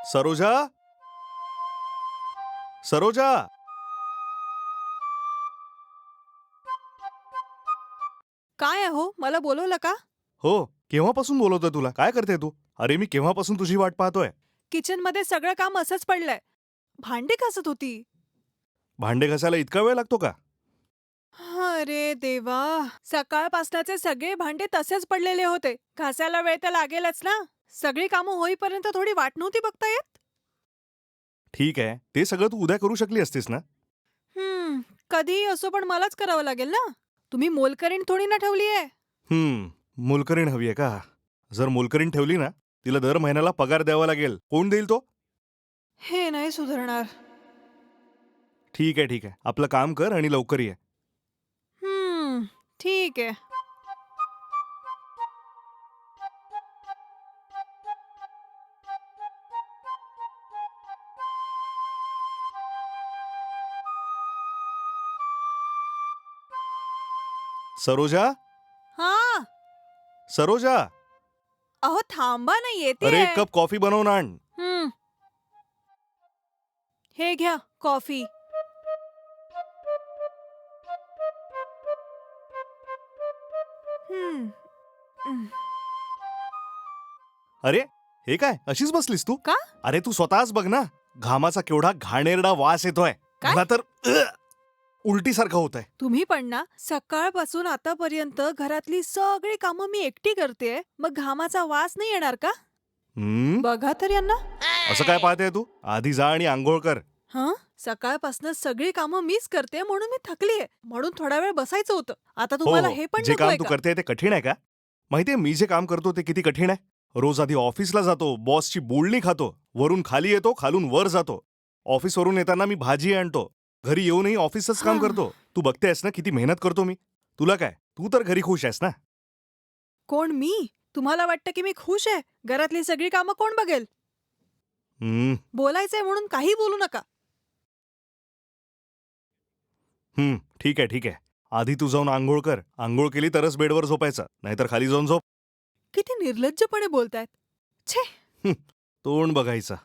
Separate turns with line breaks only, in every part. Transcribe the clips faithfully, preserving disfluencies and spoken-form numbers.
सरोजा, सरोजा.
काय आहे हो? मला बोलवलं का?
हो, केव्हापासून बोलवतोय तुला? काय करते तू? अरे मी केव्हापासून तुझी वाट पाहतोय.
किचनमध्ये सगळं काम असंच पडलंय. भांडी घासत होती.
भांडे घासायला इतका वेळ लागतो का?
अरे देवा! सकाळपासनाचे सगळे भांडे तसेच पडलेले होते. घासायला वेळ तर लागेलच ना. सगळी कामं होईपर्यंत थोडी वाट नव्हती बघता येत?
ठीक आहे, ते सगळं तू उद्या करू शकली असतीस ना?
हं, कधीही असो पण मलाच करावं लागेल ना. तुम्ही मोलकरीण थोडी ना ठेवलीये.
हम्म, मोलकरीण हवी आहे का? जर मोलकरीण ठेवली ना, तिला दर महिन्याला पगार द्यावा लागेल. कोण देईल तो?
हे नाही सुधारणार.
ठीक आहे, ठीक आहे. आपलं काम कर आणि लवकर ये.
हं, ठीक आहे.
सरोजा,
हां.
सरोजा.
अहो थांबा ना
अरे
येतेय.
एक कप कॉफी बनवून आण.
हं. हे घ्या कॉफी. हं. हं.
अरे, हे काय? अशीच बसलीस तू?
का?
अरे तू स्वतःच बघ ना. घामाचा केवढा घाणेरडा वास येतोय.
काय?
मला तर अ, उलटीसारखं होतंय.
तुम्ही पण ना सकाळपासून आतापर्यंत घरातली सगळी कामं मी एकटी करतेय. मग घामाचा वास नाही येणार का?
हम्म,
बघा तर यांना.
असं काय पाहते तू? आधी जा आणि आंघोळ कर.
हं? सकाळपासून सगळी कामं मीच करते म्हणून मी थकलीये. म्हणून थोडा वेळ बसायचं होतं. आता
हो
तुम्हाला
हो,
हे पण
जे काम
नकोय
तू
का?
करते ते कठीण आहे का? माहितीये मी जे काम करतो ते किती कठीण आहे. रोज आधी ऑफिसला जातो, बॉसची बोलणी खातो, वरून खाली येतो, खालून वर जातो. ऑफिसवरून येताना मी भाजी आणतो, घरी येऊनही ऑफिसच काम
हां.
करतो. तू बघतेस ना किती मेहनत करतो मी. तुला काय, तू तर घरी खुश आहेस ना?
कोण मी? तुम्हाला वाटतं की मी खुश आहे? घरातली सगळी कामं कोण बघेल?
हम्म,
बोलायचंय म्हणून काही बोलू नका.
हम्म, ठीक आहे, ठीक आहे. आधी तू जाऊन आंघोळ कर. आंघोळ केली तरच बेडवर झोपायचं, नाहीतर खाली जाऊन झोप.
किती निर्लज्जपणे बोलतायत. छे!
हं, तोंड बघायचं.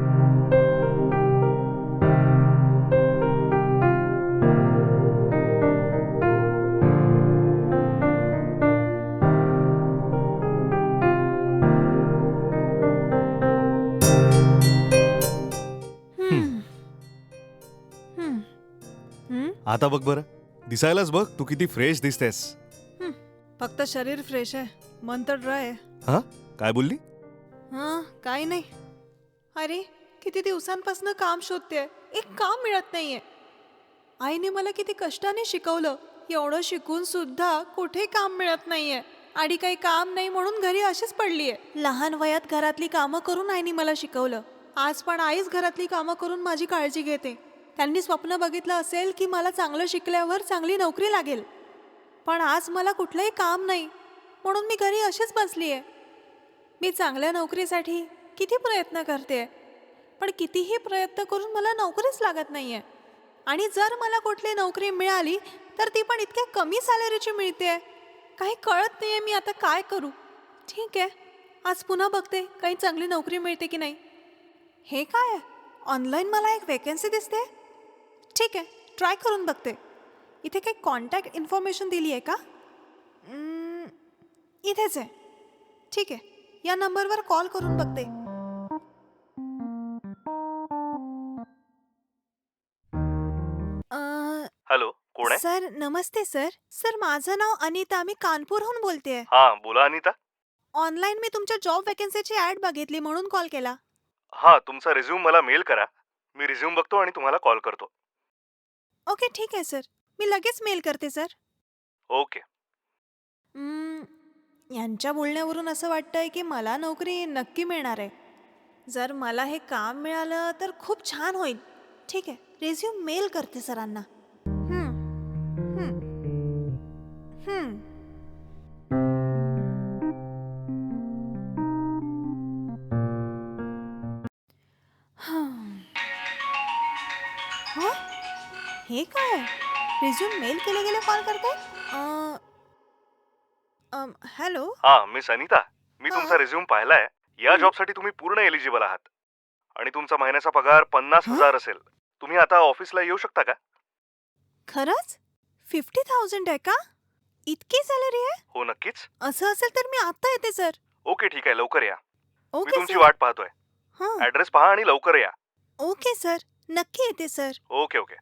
हं,
हं. हं. हं?
आता बघ बरं. दिसायलाच बघ तू किती फ्रेश दिसतेस.
हं. फक्त शरीर फ्रेश आहे. मन तर ड्राय आहे.
हां, काय बोलली?
हां, काही नाही. अरे, किती दिवसांपासून काम शोधतेय. एक काम मिळत नाहीये. आईने मला किती कष्टाने शिकवलं. एवढं शिकून सुद्धा कुठे काम मिळत नाहीये. आणि काही काम नाही म्हणून घरी अशीच पडलीये. लहान वयात घरातली कामं करून आईने मला शिकवलं. आज पण आईच घरातली कामं करून माझी काळजी घेते. त्यांनी स्वप्न बघितलं असेल की मला चांगलं शिकल्यावर चांगली नोकरी लागेल. पण आज मला कुठलंही काम नाही म्हणून मी घरी अशीच बसलीये. मी चांगल्या नोकरीसाठी किती प्रयत्न करते, पण कितीही प्रयत्न करून मला नोकरीच लागत नाहीये. आणि जर मला कुठली नोकरी मिळाली तर ती पण इतक्या कमी सॅलरीची मिळते. काही कळत नाहीये मी आता काय करू. ठीक आहे, आज पुन्हा बघते काही चांगली नोकरी मिळते की नाही. हे काय आहे? ऑनलाईन मला एक वेकेन्सी दिसते. ठीक आहे, ट्राय करून बघते. इथे काही कॉन्टॅक्ट इन्फॉर्मेशन दिली आहे का? हम्म, इथेच आहे. ठीक आहे, या नंबरवर कॉल करून बघते. अ,
हॅलो, कोण आहे?
सर नमस्ते सर. सर माझं नाव अनिता. मी कानपूरहून बोलतेय.
हां, बोला अनिता.
ऑनलाईन मी तुमच्या जॉब वॅकन्सीची ॲड बघितली म्हणून कॉल केला.
हां, तुमचा रिझ्यूम मला मेल करा. मी रिझ्यूम बघतो आणि तुम्हाला कॉल करतो.
ओके ठीक आहे सर. मी लगेच मेल करते सर.
ओके.
हम्म, यांच्या बोलण्यावरून असं वाटतंय की मला नोकरी नक्की मिळणार आहे. जर मला हे काम मिळालं तर खूप छान होईल. ठीक आहे, रेझ्यूम मेल करते सरांना. हं, हं, हं. हं. हं? हे काय? रिझ्यूम मेल केले गेले कॉल करते? अ, अम, हॅलो.
हां, मिस अनिता. मी
हां.
तुमचा रिझ्यूम पाहिलाय. या
हं.
जॉबसाठी तुम्ही पूर्ण एलिजिबल आहात. आणि तुमचा महिन्याचा पगार पन्नास
हं?
हजार असेल. तुम्ही आता ऑफिसला येऊ शकता का?
खरंच फिफ्टी थाउजंड आहे का? इतकी सॅलरी आहे?
हो नक्कीच.
असं असेल तर मी आता येते सर.
ओके ठीक आहे, लवकर या. मी
ओके
तुमची
सर.
वाट पाहतोय.
हां.
ऍड्रेस पहा आणि लवकर या.
Okay sir. नक्की येते सर.
Okay okay.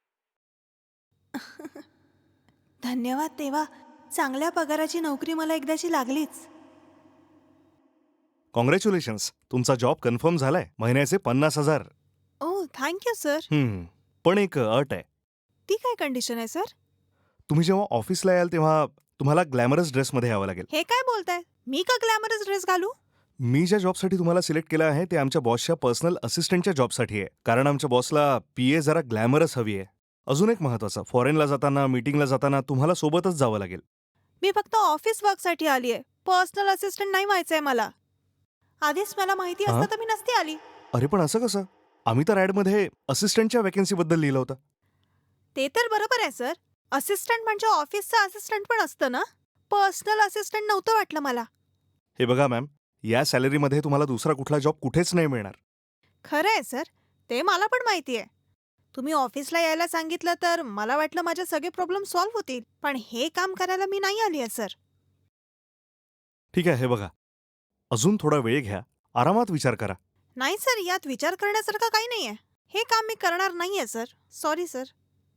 धन्यवाद देवा. चांगल्या पगाराची नोकरी मला एकदाची लागलीच.
कॉंग्रॅच्युलेशन्स, तुमचा जॉब कन्फर्म झालाय. महिन्याचे पन्नास हजार.
Oh thank you sir.
हम्म. पण एक अट आहे.
ती काय कंडिशन आहे सर?
तुम्ही जेव्हा ऑफिसला याल तेव्हा तुम्हाला ग्लॅमरस ड्रेसमध्ये यावं लागेल.
हे काय बोलताय? मी का ग्लॅमरस ड्रेस घालू?
मी ज्या जॉबसाठी तुम्हाला सिलेक्ट केलं आहे ते आमच्या बॉसच्या पर्सनल असिस्टंटच्या जॉबसाठी आहे. कारण आमच्या बॉसला पीए जरा ग्लॅमरस हवी आहे. अजून एक महत्वाचं, फॉरेनला जाताना, मीटिंगला जाताना तुम्हाला सोबतच जावं लागेल.
मी फक्त ऑफिस वर्कसाठी आली आहे. पर्सनल असिस्टंट नाही व्हायचंय मला. आधीच मला माहिती
हां?
असतं तर मी नसती आली.
अरे पण असं कसं? आम्ही तर ॲडमध्ये असिस्टंटच्या वॅकन्सीबद्दल लिहिलं होतं.
ते तर बरोबर आहे सर. असिस्टंट म्हणजे ऑफिसचा असिस्टंट पण असतं ना? पर्सनल असिस्टंट नव्हतं वाटलं मला.
हे बघा मॅम, या सॅलरीमध्ये तुम्हाला दुसरा कुठला जॉब कुठेच नाही मिळणार.
खरं आहे सर. ते मला पण माहिती आहे. तुम्ही ऑफिसला यायला सांगितलं तर मला वाटलं माझे सगळे प्रॉब्लेम सॉल्व्ह होतील. पण हे काम करायला मी नाही आली आहे सर.
ठीक आहे, हे बघा. अजून थोडा वेळ घ्या, आरामात विचार करा.
नाही सर, यात विचार करण्यासारखं काही नाही आहे. हे काम मी करणार नाही आहे सर. Sorry sir.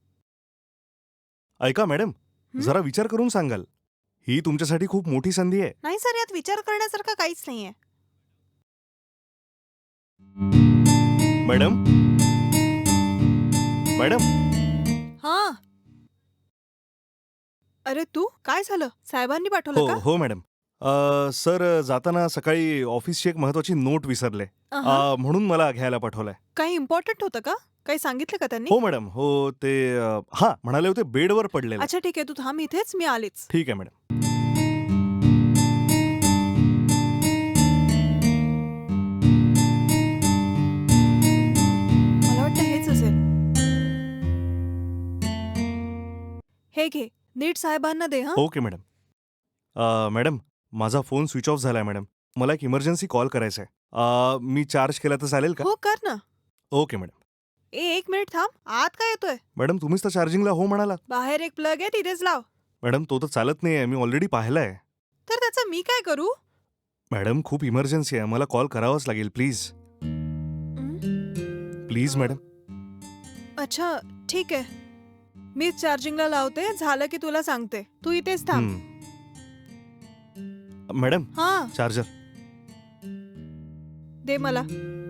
ऐका मॅडम,
हं?
जरा विचार करून सांगाल. ही तुमच्यासाठी खूप मोठी संधी आहे.
नाही सर, यात विचार करण्यासारखं काहीच नाही आहे.
मॅडम मॅडम
हां. अरे तू काय झालं? साहेबांनी पाठवलं
हो
का?
हो मॅडम. अ, सर जाताना सकाळी ऑफिसची एक महत्वाची नोट विसरले.
अहं.
अ, म्हणून मला घ्यायला पाठवलंय.
काही इम्पॉर्टंट होतं का? काही सांगितलं का त्यांनी?
हो मॅडम, हो ते अ, हां म्हणाले होते बेडवर पडलेलं.
अच्छा ठीक आहे, तू थांब इथेच, मी आलीच.
ठीक आहे मॅडम.
मला वाटतं हेच असेल. हे घे, नीट साहेबांना दे हं.
Okay madam. अ, मॅडम, माझा फोन स्विच ऑफ झालाय मॅडम. मला एक इमर्जन्सी कॉल करायचा आहे. अ, मी चार्ज केला तर चालेल का?
हो कर ना.
Okay madam.
ए एक मिनिट थांब. आत काय येतोय?
मॅडम तुम्हीच तर चार्जिंगला हो म्हणालात.
बाहेर एक प्लग आहे, तिथेच लाव.
मॅडम तो तर चालत नाहीये, मी ऑलरेडी पाहिलाय.
तर त्याचं मी काय करू?
मॅडम खूप इमर्जन्सी आहे, मला कॉल करावाच लागेल प्लीज.
हं?
Please madam.
अच्छा ठीक आहे. मीच चार्जिंगला लावते, झालं की तुला सांगते. तू इथेच थांब.
हं. मॅडम
हां,
चार्जर.
दे मला.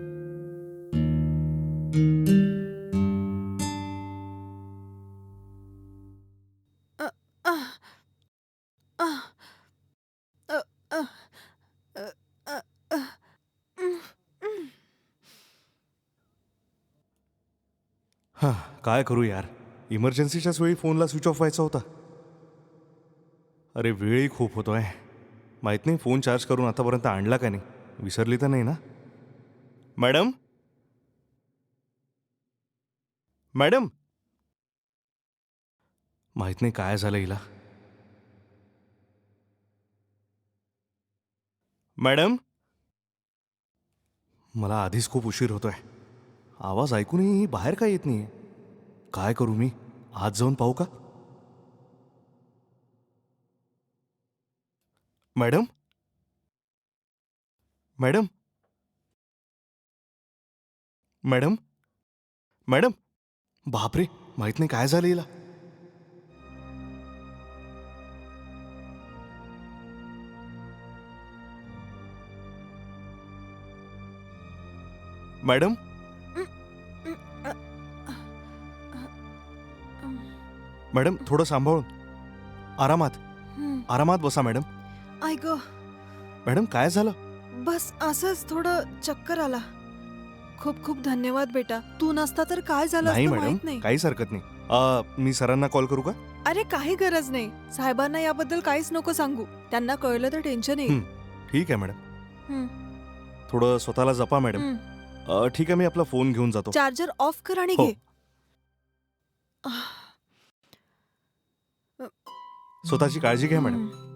अ, आह, आह, अ, अ, अ, अ, अ, उम्म, उम्म.
हां, काय करू यार, इमर्जन्सीच्याच वेळी फोनला स्विच ऑफ व्हायचा होता. अरे वेळही खूप होतोय. माहित नाही फोन चार्ज करून आतापर्यंत आणला का नाही. विसरली तर नाही ना? मॅडम मॅडम माहित नाही काय झालं हिला. मॅडम मला आधीच खूप उशीर होतोय. आवाज ऐकूनही ही बाहेर काय येत नाहीये. काय करू मी? आज जाऊन पाहू का? मॅडम मॅडम मॅडम मॅडम बापरे, माहित नाही काय झालं हिला. मॅडम मॅडम थोडं सांभाळून, आरामात
हं.
आरामात बसा मॅडम.
ऐक
मॅडम काय झालं?
बस असंच थोडं चक्कर आला. खूप खूप धन्यवाद बेटा. तू नसता तर काय झालं
नाही
असतं
मॅडम,
माहित नाही.
काहीच हरकत नाही. अ, मी सरांना कॉल करू का?
अरे काही गरज नाही. साहेबांना याबद्दल काहीच नको सांगू. त्यांना कळलं तर टेन्शन येईल.
हं, ठीक आहे मॅडम.
हं,
थोडं स्वतःला जपा मॅडम.
हं.
अ, ठीक आहे, मी आपला फोन घेऊन जातो.
चार्जर ऑफ कर आणि
हो.
घे. आह,
स्वतःची काळजी घ्या मॅडम.
हं.